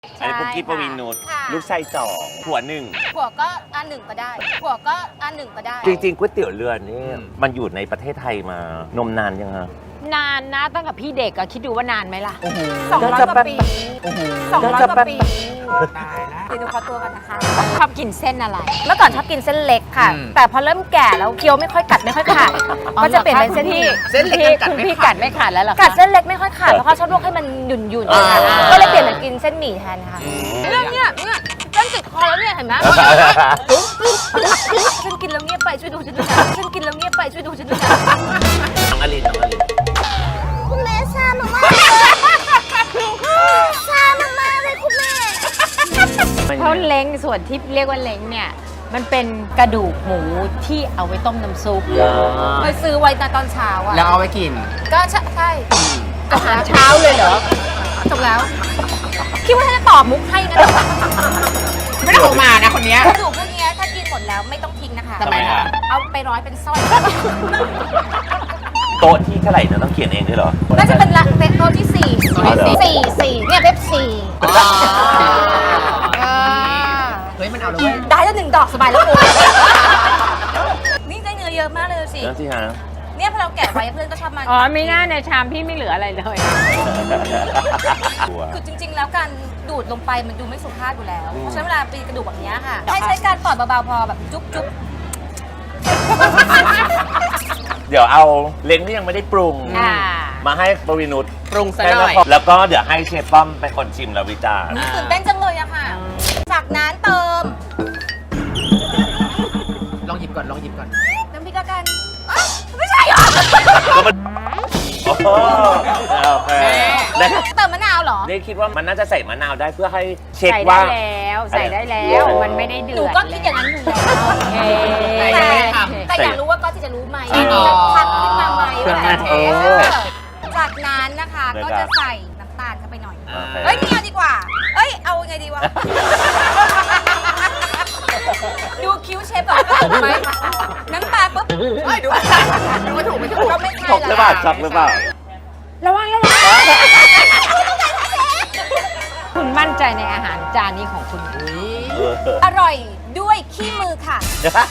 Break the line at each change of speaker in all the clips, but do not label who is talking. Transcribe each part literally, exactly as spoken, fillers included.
อันนี้ปุ๊กกี้ปวีนุชลูกชายสองผัวหนึ่ง
ผัวก็อันหนึ่งก็ได้ผัวก็อันหนึ่งก็ได้
จริงๆก๋วยเตี๋ยวเรือนี่มันอยู่ในประเทศไทยมานมนานยังฮะ
นานนะตั้งแต่พี่เด็กอะคิดดูว่านานไหมล่ะ
สองร้อยกว่าปีสองร้อยกว่าปี
ตายแล้ว
เดี๋ยวดูขอตัวกันนะคะ
ชอบกินเส้นอะไร
เมื่อก่อนชอบกินเส้นเล็กค่ะ
อืม
แต่พอเริ่มแก่แล้วเคี้ยวไม่ค่อยกัดไม่ค่อยขาดก็จะเปลี่ยนเป็นเส้นหมี่
เส้นเล็ก
พี่
กัด
คุณ
ไม่
พี่
ขา
กั
ด
ดไม่ขาดแล้วเหรอคะ
กัดเส้นเล็กไม่ค่อยขาดเพราะเขาชอบลวกให้มันหยุ่นหยุ่น
อ่า
ก็เลยเปลี่ยนมากินเส้นหมี่แทนค่ะเรื่องเนี้ยเนี่ยเส้นติดคอแล้วเนี่ยเห็นไหมฉันกินแล้วเงียบไปช่วยดูฉันด้วยนะฉันกินแล้วเงียบไปช่วยดูฉันด้วยนะ
น้องอลินน้องอลิน
คุณแม่ชามามาชามามาเลยคุณแม่
เพราะเล้งส่วนที่เรียกว่าเล้งเนี่ยมันเป็นกระดูกหมูที่เอาไว้ต้มน้ำซุป
ไปซื้อไว้ตอนเช้าอ่ะ
แล้วเอาไว้กิน
ก็ใช่ใช่
อาหารเช้าเลยเหรอ
จบแล้วคิดว่าถ้าจะตอบมุกให้นะ
ไม่ได้ออกมานะคนเนี้ย
กระดูกพวกเนี้ยถ้ากินหมดแล้วไม่ต้องทิ้งนะคะ
ทำไมคะ
เอาไปร้อยเป็นสร้อย
โต๊ะที่เท่าไหร่นะต้องเขียนเองด้วยเหรอ
น่าจะเป็นละเป็นตัวที่สี่สี่สี่เนี่ยเว็บสี่
เฮ้ยมันเอาเลยเว้ย
ได้แล้วหนึ่งดอกสบายแล้วกูนี่ได้เนื้อเยอะมากเลยสิ
นั่นสิฮะ
เนี่ยพอเราแกะไว้เพื่อนก็ชอบมา
อ๋อไม่น่าในชามพี่ไม่เหลืออะไรเลย
คือจริง ๆ แล้วการดูดลงไปมันดูไม่สุภาพอยู่แล้วเพราะฉะนั้นเวลาปีนกระดูกแบบเนี้ยค่ะให้ใช้การปอดเบาๆพอแบบจุ๊บจุ๊บ
เดี๋ยวเอาเล้งที่ยังไม่ได้ปรุง
อ่า
มาให้ปวีนุช
ปรุงซะ
ให้
หน่อย
แล้วก็เดี๋ยวให้เชฟป้อมเป็นคนชิมแล้ววิจารณ์
นี่ตื่นเต้นจังเลยอะค่ะ จากนั้นเติม
ลองหยิบก่อนลองหยิบก่อน
น้ำพริกละกันอ๊ะไม่ใช่เหรอ
ก็มันโอ้โหโอเคได้
เติมมะนาวเหรอ
ได้คิดว่ามันน่าจะใส่มะนาวได้เพื่อให้เช็ค
ใส่ได้
ว่า
แล้วใส่ได้แล้วมันไม่ได้เดือด
หนูก็คิดอย่างนั้นอยู่แล้ว
โอเค
แต่
ไม่ได้ทำ
แต่อยากรู้ว่าก็ที่จะรู้ไหม
จริงเหรอ
จะทักขึ้นมาไหม
เครื่อง
ว่า
แน่นเออ
จากนั้นนะคะ
เดี๋ยว
ก็
ก่อน
จะใส่น้ำตาลเข้าไปหน่อย
โอเค
เอ้ยไม่เอาดีกว่า เอ้ย เอาไงดีวะ ดูคิ้วเชฟก่อนถูกไหมน้ำตาลปุ๊บ
เฮ้ยดูดูไม่ถูกไม่ถูก
ก็ไม่ใช่
ช็อกหรือเปล่าช็อกหรือเปล่า
ระวังระวังคุณมั่นใจในอาหารจานนี้ของคุณ
อร่อยด้วยขี้มือค่ะ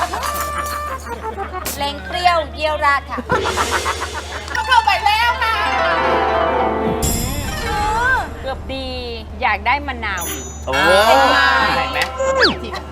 เล้งเปรี้ยวเยี่ยวราดค่ะเข้าไปแล้วค่ะ
เกือบดีอยากได้มะนาวอีก
โอ้
เห็นไหม